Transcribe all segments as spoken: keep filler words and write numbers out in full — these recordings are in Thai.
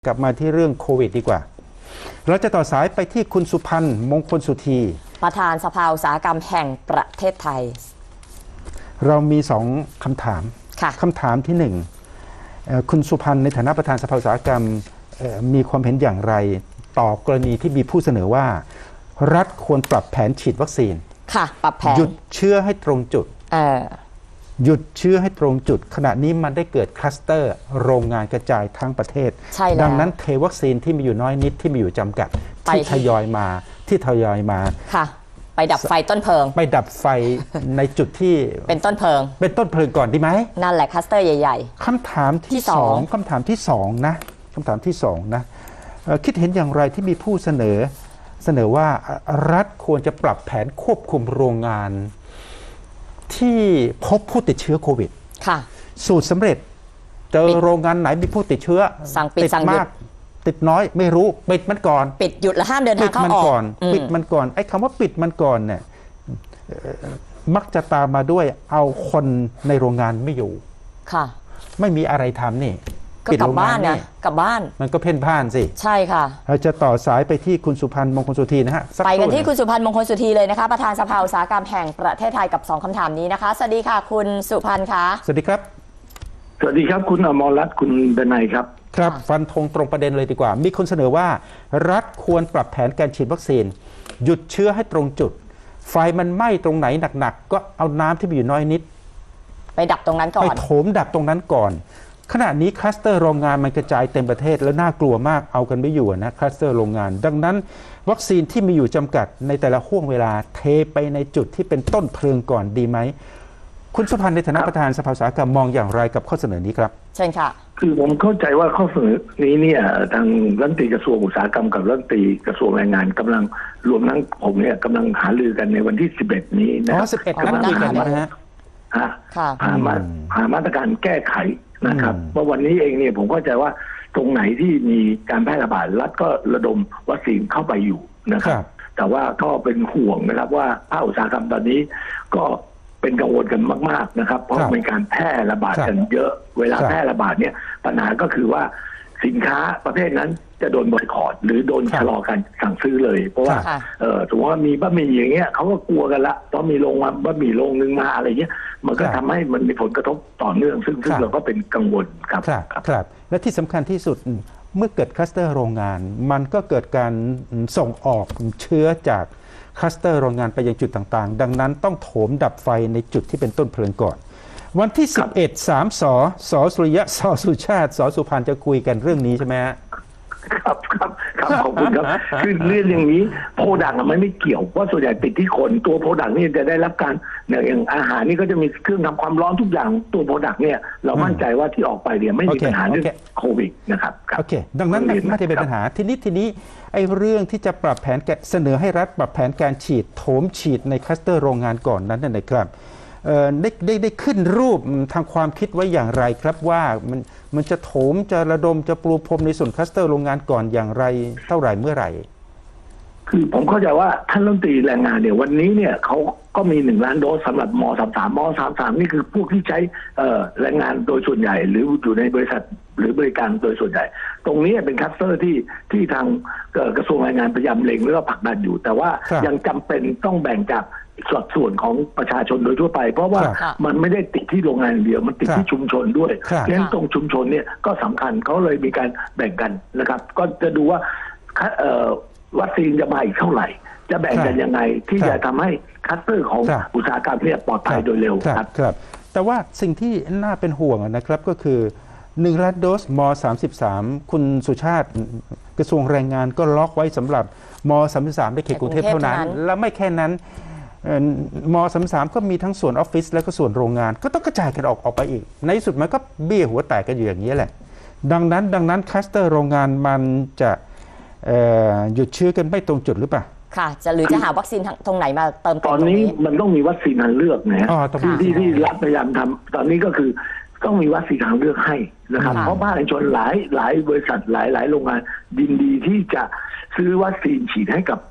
กลับมาที่เรื่องโควิดดีกว่าเราจะต่อสายไปที่คุณสุพันธ์มงคลสุธีประธานสภาอุตสาหกรรมแห่งประเทศไทยเรามีสองคำถามคำถามที่หนึ่งคุณสุพันธ์ในฐานะประธานสภาอุตสาหกรรมมีความเห็นอย่างไรต่อกรณีที่มีผู้เสนอว่ารัฐควรปรับแผนฉีดวัคซีนค่ะปรับแผนหยุดเชื้อให้ตรงจุดหยุดเชื้อให้ตรงจุดขณะนี้มันได้เกิดคลัสเตอร์โรงงานกระจายทั้งประเทศดังนั้นเทวัคซีนที่มีอยู่น้อยนิดที่มีอยู่จำกัดที่ทยอยมาที่ทยอยมาค่ะไปดับไฟต้นเพลิงไปดับไฟในจุดที่เป็นต้นเพลิงเป็นต้นเพลิงก่อนดีไหมนั่นแหละคลัสเตอร์ใหญ่ๆคำถามที่สองคำถามที่สองนะคำถามที่สองนะคิดเห็นอย่างไรที่มีผู้เสนอเสนอว่ารัฐควรจะปรับแผนควบคุมโรงงานที่พบผู้ติดเชื้อโควิดค่ะสูตรสำเร็จเจอโรงงานไหนมีผู้ติดเชื้อสั่งปิดสั่งหยุดติดน้อยไม่รู้ปิดมันก่อนปิดหยุดและห้ามเดินทางเข้าออกปิดมันก่อนไอ้คำว่าปิดมันก่อนเนี่ยมักจะตามมาด้วยเอาคนในโรงงานไม่อยู่ค่ะไม่มีอะไรทำนี่ก็กลับบ้านนะกลับบ้านมันก็เพ่นพ่านสิใช่ค่ะเราจะต่อสายไปที่คุณสุพันธ์มงคลสุธีนะฮะไปกันที่คุณสุพันธ์มงคลสุธีเลยนะคะประธานสภาอุตสาหกรรมแห่งประเทศไทยกับสองคำถามนี้นะคะสวัสดีค่ะคุณสุพันธ์คะสวัสดีครับสวัสดีครับคุณอมรรัตน์คุณดนัยครับครับฟันธงตรงประเด็นเลยดีกว่ามีคนเสนอว่ารัฐควรปรับแผนการฉีดวัคซีนหยุดเชื้อให้ตรงจุดไฟมันไหม้ตรงไหนหนักๆก็เอาน้ำที่มีอยู่น้อยนิดไปดับตรงนั้นก่อนไปโถมดับตรงนั้นก่อนขณะนี้คลัสเตอร์โรงงานมันกระจายเต็มประเทศแล้วน่ากลัวมากเอากันไม่อยู่นะคลัสเตอร์โรงงานดังนั้นวัคซีนที่มีอยู่จำกัดในแต่ละห่วงเวลาเทไปในจุดที่เป็นต้นเพลิงก่อนดีไหมคุณสุพันธ์ในฐานะประธานสภาอุตสาหกรรมมองอย่างไรกับข้อเสนอนี้ครับเชิญค่ะคือผมเข้าใจว่าข้อเสนอนี้เนี่ยทางรัฐมนตรีกระทรวงอุตสาหกรรมกับรัฐมนตรีกระทรวงแรงงานกำลังรวมทั้งผมเนี่ยกำลังหารือกันในวันที่สิบเอ็ดนี้นะครับสิบเอ็ดกำลังคุยกันนะฮะหามาหามาตรการแก้ไขนะครับเมื่อวันนี้เองเนี่ยผมเข้าใจว่าตรงไหนที่มีการแพร่ระบาดรัฐก็ระดมวัคซีนเข้าไปอยู่นะครับแต่ว่าก็เป็นห่วงนะครับว่าภาคอุตสาหกรรมตอนนี้ก็เป็นกังวลกันมากๆนะครับเพราะมีการแพร่ระบาดกันเยอะเวลาแพร่ระบาดเนี่ยปัญหาก็คือว่าสินค้าประเภทนั้นจะโดนบอยคอตหรือโดนชะลอการสั่งซื้อเลยเพราะว่าเออสมมติว่ามีบะหมี่อย่างเงี้ยเขาก็กลัวกันละเพราะมีโรงมาบะหมี่โรงนึงมาอะไรเงี้ยมันก็ทำให้มันมีผลกระทบต่อเนื่องซึ่งซึ่งเราก็เป็นกังวลครับครับและที่สำคัญที่สุดเมื่อเกิดคลัสเตอร์โรงงานมันก็เกิดการส่งออกเชื้อจากคลัสเตอร์โรงงานไปยังจุดต่างๆดังนั้นต้องโถมดับไฟในจุดที่เป็นต้นเพลิงก่อนวันที่สิบเอ็ด สามสสสุริยะสสุชาติสสุพันธ์จะคุยกันเรื่องนี้ใช่ไหมฮะครับครับครับขอบคุณครับคือเรื่องอย่างนี้โปรดักต์มันไม่เกี่ยวเพราะส่วนใหญ่ติดที่คนตัวโปรดักต์นี่จะได้รับการอย่างอาหารนี่ก็จะมีเครื่องทำความร้อนทุกอย่างตัวโปรดักต์เนี่ยเรามั่นใจว่าที่ออกไปเนี่ยไม่มีปัญหาเรื่องโควิดนะครับโอเคดังนั้นไม่ได้เป็นปัญหาทีนี้ทีนี้ไอ้เรื่องที่จะปรับแผนเสนอให้รัฐปรับแผนการฉีดโถมฉีดในคลัสเตอร์โรงงานก่อนนั้นนะครับได้ได้ได้ขึ้นรูปทางความคิดไว้อย่างไรครับว่ามันมันจะโถมจะระดมจะปลูกพรมในส่วนคลัสเตอร์โรงงานก่อนอย่างไรเท่าไหร่เมื่อไหร่คือผมเข้าใจว่าท่านรัฐมนตรีแรงงานเนี่ยวันนี้เนี่ยเขาก็มีหนึ่งล้านโดสสำหรับมสามสามมสามสามนี่คือพวกที่ใช้แรงงานโดยส่วนใหญ่หรืออยู่ในบริษัทหรือบริการโดยส่วนใหญ่ตรงนี้เป็นคลัสเตอร์ที่ที่ทางกระทรวงแรงงานพยายามเล็งและก็ผลักดันอยู่แต่ว่ายังจำเป็นต้องแบ่งจากสัดส่วนของประชาชนโดยทั่วไปเพราะว่ามันไม่ได้ติดที่โรงงานเดียวมันติดที่ชุมชนด้วยเพราะฉะนั้นตรงชุมชนเนี่ยก็สำคัญเขาเลยมีการแบ่งกันนะครับก็จะดูว่าวัคซีนจะมาอีกเท่าไหร่จะแบ่งกันยังไงที่จะทำให้คลัสเตอร์ของอุตสาหกรรมเนี่ยปลอดภัยโดยเร็วครับครับแต่ว่าสิ่งที่น่าเป็นห่วงนะครับก็คือหนึ่งล้านโดสมสามสิบสามคุณสุชาติกระทรวงแรงงานก็ล็อกไว้สำหรับมสามสิบสามในเขตกรุงเทพเท่านั้นและไม่แค่นั้นมสามสิบสามก็มีทั้งส่วนออฟฟิศและก็ส่วนโรงงานก็ต้องกระจายกันออกออกไปอีกในที่สุดมันก็เบี้ยหัวแตกกันอยู่อย่างนี้แหละดังนั้นดังนั้นคลัสเตอร์โรงงานมันจะหยุดเชื้อกันไม่ตรงจุดหรือเปล่าค่ะจะหรือจะหาวัคซีนตรงไหนมาเติมเต็มตอนนี้มันต้องมีวัคซีนทางเลือกนะที่ที่ที่รัฐพยายามทำตอนนี้ก็คือต้องมีวัคซีนทางเลือกให้นะครับเพราะภาคเอกชนหลายหลายบริษัทหลายหลายโรงงานยินดีที่จะซื้อวัคซีนฉีดให้กับ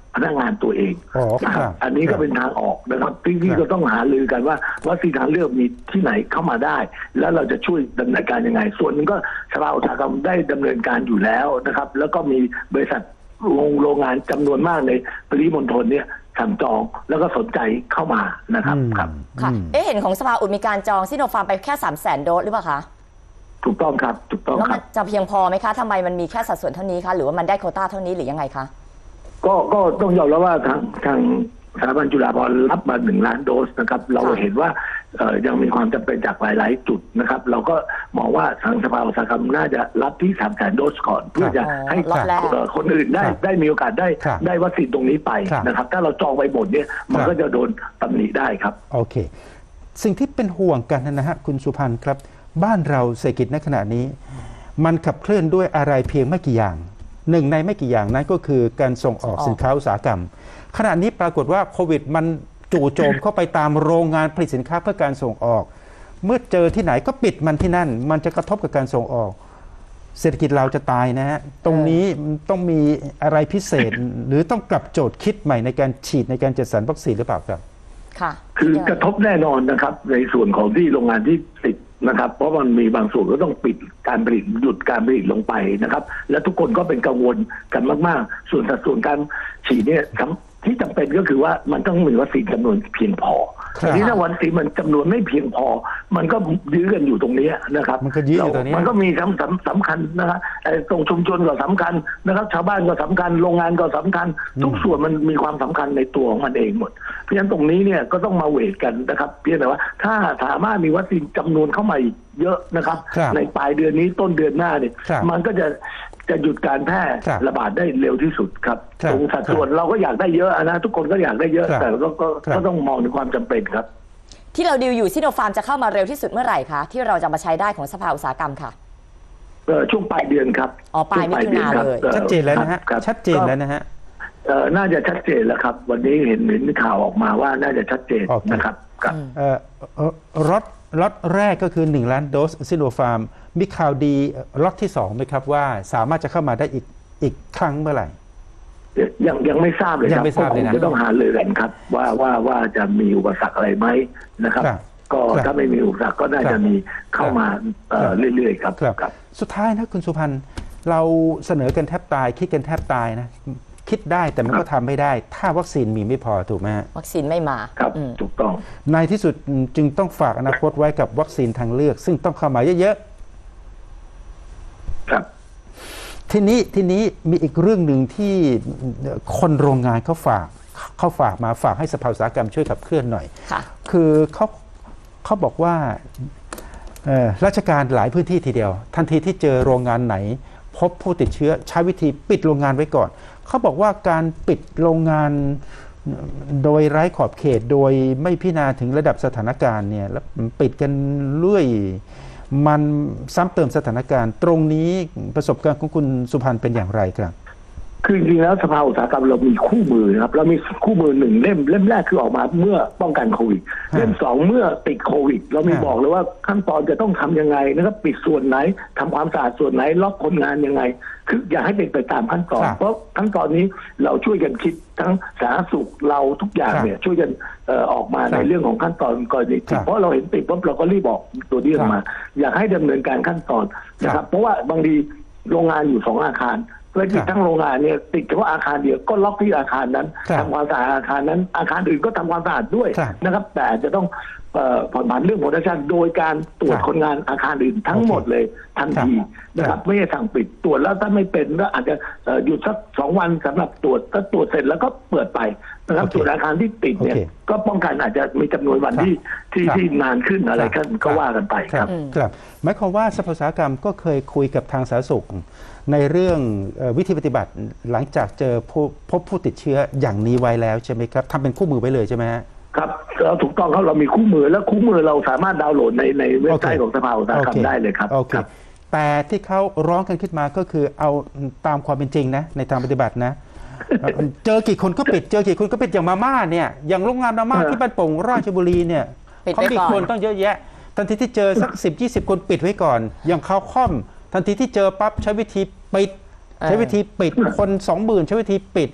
พนักงานตัวเองอ๋อนะคครัรับบ อันนี้ก็เป็นทางออกนะครับที่ที่ครับก็ต้องหารือกันว่าวัคซีนทางเลือกมีที่ไหนเข้ามาได้ แล้วเราจะช่วยดำเนินการยังไง ส่วนหนึงก็สภาอุตสาหกรรมได้ดำเนินการอยู่แล้วนะครับ แล้วก็มีบริษัทโรงโรงงานจำนวนมากในปริมณฑลเนี่ยสั่งจองแล้วก็สนใจเข้ามานะครับอืมครับค่ะอืมเอ๊ะเห็นของสภาอุดมีการจองซิโนฟาร์มไปแค่สามแสนโดสหรือเปล่าคะถูกต้องครับถูกต้องแล้วคมัรันบจะเพียงพอไหมคะทำไมมันมีแค่สัดส่วนเท่านี้คะหรือว่ามันได้โควต้าเท่านี้หรือยังไงคะก็ก็ต้องยอมรับว่าทางทางสถาบันจุฬาภรณ์รับมาหนึ่งล้านโดสนะครับเราค่ะเห็นว่าเอ่อยังมีความจำเป็นจากหลาย ๆ จุดนะครับ เราก็มองว่าทางสภาอุตสาหกรรมน่าจะรับที่สามแสนโดสก่อน เพื่อจะให้ล็อตแรกเอ่อคนอื่นได้ครับได้มีโอกาสได้ครับได้วัคซีนตรงนี้ไปครับนะครับ ถ้าเราจองไปหมดเนี่ยมันครับก็จะโดนตำหนิได้ครับโอเค สิ่งที่เป็นห่วงกันนะฮะคุณสุพันธ์ครับ บ้านเราเศรษฐกิจในขณะนี้ มันขับเคลื่อนด้วยอะไรเพียงไม่กี่อย่าง หนึ่งในไม่กี่อย่างนั้นก็คือการส่งออกส่งออกสินค้าอุตสาหกรรม ขณะนี้ปรากฏว่าโควิดมันจู่โจมเข้าไปตามโรงงานผลิตสินค้าเพื่อการส่งออก เมื่อเจอที่ไหนก็ปิดมันที่นั่น มันจะกระทบกับการส่งออก เศรษฐกิจเราจะตายนะฮะ ตรงนี้ต้องมีอะไรพิเศษ หรือต้องกลับโจทย์คิดใหม่ในการฉีดในการจัดสรรวัคซีนหรือเปล่าครับค่ะคือกระทบแน่นอนนะครับในส่วนของที่โรงงานที่ติดนะครับ เพราะมันมีบางส่วนก็ต้องปิดการผลิตหยุดการผลิตลงไปนะครับ และทุกคนก็เป็นกังวลกันมากๆ ส่วนสัดส่วนการฉีดเนี่ยสำที่จำเป็นก็คือว่ามันต้องมีวัคซีนจำนวนเพียงพอครับทีนี้ถ้าวัคซีนมันจำนวนไม่เพียงพอ มันก็ยื้อกันอยู่ตรงนี้นะครับมันก็ยื้ออยู่ตรงนี้มันก็มีสำสำสำคัญนะครับไอ้ตรงชุมชนก็สำคัญนะครับ ชาวบ้านก็สำคัญโรงงานก็สำคัญ ทุกส่วนมันมีความสำคัญในตัวของมันเองหมด เพราะฉะนั้นตรงนี้เนี่ยก็ต้องมาเวทกันนะครับ เพียงแต่ว่าถ้าสามารถมีวัคซีนจำนวนเข้ามาอีกเยอะนะครับครับในปลายเดือนนี้ต้นเดือนหน้าเนี่ยครับมันก็จะจะหยุดการแพร่ครับระบาดได้เร็วที่สุดครับครับตรงสัดส่วนเราก็อยากได้เยอะนะทุกคนก็อยากได้เยอะครับแต่ก็ก็ครับก็ต้องมองในความจำเป็นครับที่เราดีลอยู่ซิโนฟาร์มจะเข้ามาเร็วที่สุดเมื่อไหร่คะที่เราจะมาใช้ได้ของสภาอุตสาหกรรมค่ะเอ่อช่วงปลายเดือนครับอ๋อปลายมิถุนาช่วงเลยดือชัดเจนแล้วนะฮะครับชัดเจนแล้วนะฮะเอ่อน่าจะชัดเจนแล้วครับ วันนี้เห็นเห็นข่าวออกมาว่าน่าจะชัดเจนโอเคนะครับครับอืมเอ่อเอ่อล็อตล็อตแรกก็คือ หนึ่ง ล้านโดสซิโนฟาร์ม มีข่าวดีล็อตที่สองไหมครับว่าสามารถจะเข้ามาได้อีกอีกครั้งเมื่อไหร่ยังยังไม่ทราบเลยคยัรับงไม่ทราบเลยนะก็คงจะต้องหาเลยกันครับ ว่าว่าว่าจะมีอุปสรรคอะไรไหมนะครับครับก็ครับถ้าไม่มีอุปสรรคก็น่าครัจะบมีเข้ามาเอ่อครับเรื่อยๆครับครับครับสุดท้ายนะคุณสุพันธ์เราเสนอกันแทบตาย คิดกันแทบตายนะ คิดได้แต่มันก็ทำไม่ได้ ถ้าวัคซีนมีไม่พอถูกไหมฮะวัคซีนไม่มาครับอืมถูกต้องในที่สุดจึงต้องฝากอนาคตไว้กับวัคซีนทางเลือก ซึ่งต้องเข้ามาเยอะครับๆ ทีนี้ทีนี้มีอีกเรื่องหนึ่งที่คนโรงงานเขาฝากเขาฝากมาฝากให้สภาอุตสาหกรรมช่วยขับเคลื่อนหน่อยค่ะคือเขาเขาบอกว่าเอ่อราชการหลายพื้นที่ทีเดียว ทันทีที่เจอโรงงานไหน พบผู้ติดเชื้อใช้วิธีปิดโรงงานไว้ก่อน เขาบอกว่าการปิดโรงงานโดยไร้ขอบเขตโดยไม่พิจารณาถึงระดับสถานการณ์เนี่ยแล้วปิดกันเรื่อย มันซ้ำเติมสถานการณ์ ตรงนี้ประสบการณ์ของคุณสุพันธ์เป็นอย่างไรครับคือจริงๆแล้วสภาอุตสาหกรรมเรามีคู่มือนะครับเรามีคู่มือหนึ่งเล่มเล่มแรกคือออกมาเมื่อป้องกันโควิดฮะเล่มสองเมื่อติดโควิด เรามีฮะบอกเลยว่าขั้นตอนจะต้องทำยังไงนะครับปิดส่วนไหนทำความสะอาดส่วนไหนล็อกคนงานยังไง คืออย่าให้เป็นไปตามขั้นตอนครับเพราะขั้นตอนนี้เราช่วยกันคิดทั้งสาธารณสุขเราทุกอย่างครับเนี่ยช่วยกันเอ่อออกมาครับในเรื่องของขั้นตอนกรณีติครัดบเพราะเราเห็นติดปุ๊บเราก็รีบบอกตัวนี้ออกมา อยากให้ดำเนินการขั้นตอนนะคครัรับ บเพราะว่าบางทีโรงงานอยู่สองอาคารเพื่อที่ทั้งโรงงานเนี่ยติดเฉพาะอาคารเดียวก็ล็อกที่อาคารนั้นครับทำความสะอาดอาคารนั้น อาคารอื่นก็ทำความสะอาดด้วยครับนะครับ แต่จะต้องเอ่อผ่อนผันเรื่องโปรดักชันโดยการตรวจครับคนงานอาคารอื่นทั้งหมดเลยทันทีครับนะครับไม่ใช่สั่งปิดตรวจแล้วถ้าไม่เป็นก็อาจจะเอ่อหยุดสักสองวันสำหรับตรวจถ้าตรวจเสร็จแล้วก็เปิดไปนะครับโอเคส่วนอาคารที่ติดเนี่ยโอเคก็ป้องกันอาจจะมีจำนวนวันครับที่ที่ครับที่นานขึ้นอะไรครักับ นก็ว่ากันไปคครัรับบ ครับหมายความว่าสภาอุตสาหกรรมก็เคยคุยกับทางสาธารณสุข ในเรื่องเอ่อวิธีปฏิบัติหลังจากเจอผู้พบผู้ติดเชื้ออย่างนี้ไว้แล้วใช่ไหมครับทำเป็นคู่มือไว้เลยใช่ไหมฮะครับเราถูกต้องครับเรามีคู่มือแล้วคู่มือเราสามารถดาวน์โหลดในในเว็บไซต์ของสภาอุตสาหกรรมได้เลยครับโอเคครับแต่ที่เขาร้องกันขึ้นมาก็คือเอาตามความเป็นจริงนะในทางปฏิบัตินะ เอ่อเจอกี่คนก็ปิด เจอกี่คนก็ปิดอย่างมาม่าเนี่ยอย่างโรงงานมาม่าเออที่บ้านโป่งราชบุรีเนี่ยปิดเขาไว้มีก่อนคนต้องเยอะแยะ ทันทีที่เจอสักสิบยี่สิบคนปิดไว้ก่อน อย่างข้าวค่อม ทันทีที่เจอปั๊บใช้วิธีปิด ใช้วิธีปิดคนสองหมื่นใช้วิธีปิด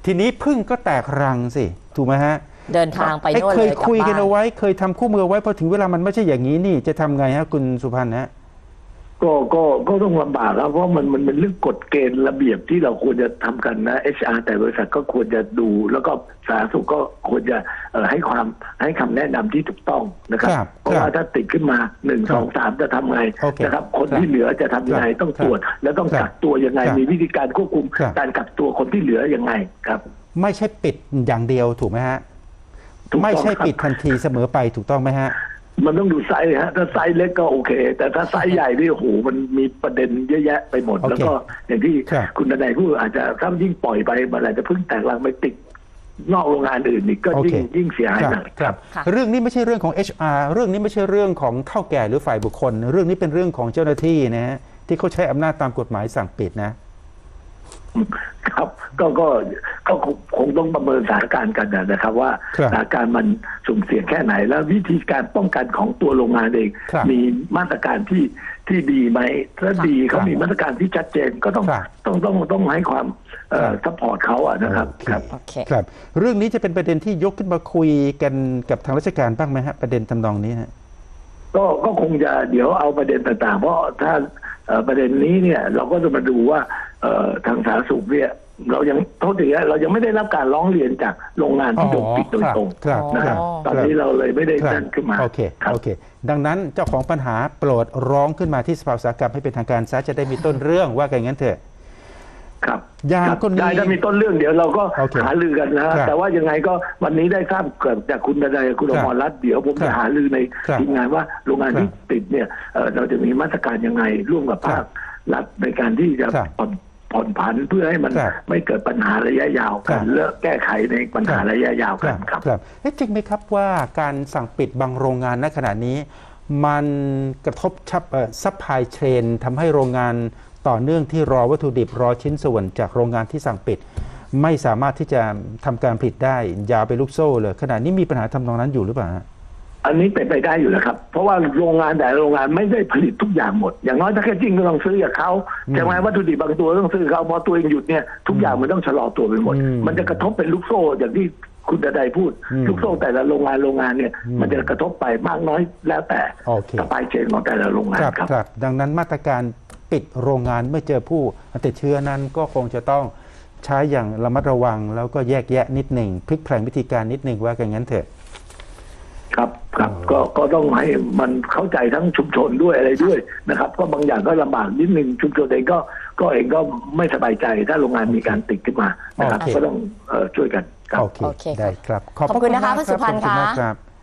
ทีนี้พึ่งก็แตกรังสิถูกไหมฮะเดินทางไปไอ้โน่นเคเลย ยกลับคุยกันบ้านเอาไว้เคยทำคู่มือเอาไว้พอถึงเวลามันไม่ใช่อย่างนี้นี่จะทำไงฮะคุณสุพันธ์ฮะก็ก็ก็ต้องลำบากแล้วเพราะมันมันเป็นเรื่องกฎเกณฑ์ระเบียบที่เราควรจะทำกันนะ เอช อาร์ แต่บริษัทก็ควรจะดูแล้วก็สาธารณสุขก็ควรจะเอ่อให้ความให้คำแนะนำที่ถูกต้องนะครับครับเพราะว่าถ้าติดขึ้นมาหนึ่งครับสองสามจะทำไงโอเคนะครับคนครับที่เหลือจะทำยังไงครับต้องตรวจ แล้วต้องครับกักตัวยังไงครับมีวิธีการควบคุมครับการกักตัวคนที่เหลือยังไงครับไม่ใช่ปิดอย่างเดียวถูกไหมฮะถูกต้องไม่ใช่ครับปิดทันทีเสมอไปถูกต้องไหมฮะมันต้องดูไซส์ฮะถ้าไซส์เล็กก็โอเค แต่ถ้าไซส์ใหญ่นี่โอ้โหมันมีประเด็นเยอะแยะไปหมดโอเคแล้วก็อย่างที่ครับคุณนายพูดอาจจะถ้ายิ่งปล่อยไปมันอาจจะเพิ่งแตกรังไปติดนอกโรงงานอื่นอีกก็ยิ่งโอเคยิ่งเสียหายครับหนักครับค่ะเรื่องนี้ไม่ใช่เรื่องของ เอช อาร์ เรื่องนี้ไม่ใช่เรื่องของเฒ่าแก่หรือฝ่ายบุคคล เรื่องนี้เป็นเรื่องของเจ้าหน้าที่นะฮะที่เขาใช้อำนาจตามกฎหมายสั่งปิดนะครับก็ก็ก็คงคงต้องประเมินสถานการณ์กันนะครับ ว่าครับสถานการณ์มันสุ่มเสี่ยงแค่ไหน แล้ววิธีการป้องกันของตัวโรงงานเองครับมีมาตรการที่ที่ดีไหมถ้าดีครัเขาบมีมาตรการที่ชัดเจนก็ต้องครับต้องต้องต้องให้ความเอ่อครับซัพพอร์ตเขาอะนะครับโอเคครับโอเคครับ เรื่องนี้จะเป็นประเด็นที่ยกขึ้นมาคุยกันกับทางราชการบ้างไหมฮะประเด็นทำนองนี้ฮะก็ก็คงจะเดี๋ยวเอาประเด็นต่างๆ เพราะถ้าเอ่อประเด็นนี้เนี่ยเราก็จะมาดูว่าเอ่อทางสาธารณสุขเนี่ยเรายังโทษทีนะเรายังไม่ได้รับการร้องเรียนจากโรงงานที่โดนปิดโดยตรงครับนะครับอ๋อตอนนี้เราเลยไม่ได้ครับนั่นขึ้นมาโอเคครับโอเค ดังนั้นเจ้าของปัญหาโปรดร้องขึ้นมาที่สภาอุตสาหกรรมให้เป็นทางการซะจะได้มีต้นเรื่องว่ากันงั้นเถอะครับอย่างครับกรณีได้ถ้ามีต้นเรื่องเดี๋ยวเราก็โอเคหารือกันนะฮะครับแต่ว่ายังไงก็วันนี้ได้ทราบเกิดจากคุณดนัยคุณคอรับมรรัตน์เดี๋ยวผมครับจะหารือในครับทีมงานว่าโรงงานครับที่ติดเนี่ยเอ่อเราจะมีมาตรการยังไงร่วมกับครัภาบครัฐในการที่จะครับผ่อนผ่อนผันเพื่อให้มันครับไม่เกิดปัญหาระยะยาวครักับ นเลือกแก้ไขในปัญหาระยะยาวคกัรันบครับครับเอ๊ะจริงไหมครับว่าการสั่งปิดบางโรงงานณขณะนี้ มันกระทบชับซัพพลายเชนทำให้โรงงานต่อเนื่องที่รอวัตถุดิบรอชิ้นส่วนจากโรงงานที่สั่งปิด ไม่สามารถที่จะทำการผลิตได้ยาวไปลูกโซ่เลยขณะนี้มีปัญหาทำนองนั้นอยู่หรือเปล่าฮะอันนี้เป็นไปได้อยู่แล้วครับ เพราะว่าโรงงานแต่ละโรงงานไม่ได้ผลิตทุกอย่างหมด อย่างน้อยถ้าแค่จริงก็ต้องซื้อจากเขาอืมใช่ไหมวัตถุดิบบางตัวต้องซื้อเขาพอตัวเองหยุดเนี่ยทุกอย่างมันต้องชะลอตัวไปหมดอืมมันจะกระทบเป็นลูกโซ่อย่างที่คุณดนัยพูดอืมลูกโซ่แต่ละโรงงานโรงงานเนี่ยอืมมันจะกระทบไปมากน้อยแล้วแต่โอเคสปายเชนของแต่ละโรงงานครับครับครับดังนั้นมาตรการปิดโรงงานเมื่อเจอผู้ติดเชื้อนั้นก็คงจะต้องใช้อย่างระมัดระวัง แล้วก็แยกแยะนิดหนึ่งพลิกแพลงวิธีการนิดหนึ่งว่ากันงั้นเถอะครับครับก็ก็ต้องให้มันเข้าใจทั้งชุมชนด้วยอะไรด้วยนะครับก็บางอย่างก็ลำบากนิดนึงชุมชนเองก็ก็เองก็ไม่สบายใจถ้าโรงงานมีการติดขึ้นมานะครับโอเคก็ต้องเอ่อช่วยกันครับโอเคโอเคค่ะได้ครับขอบคุณนะคะมากคุณสุพันธ์ขอบณมากค่ะครับ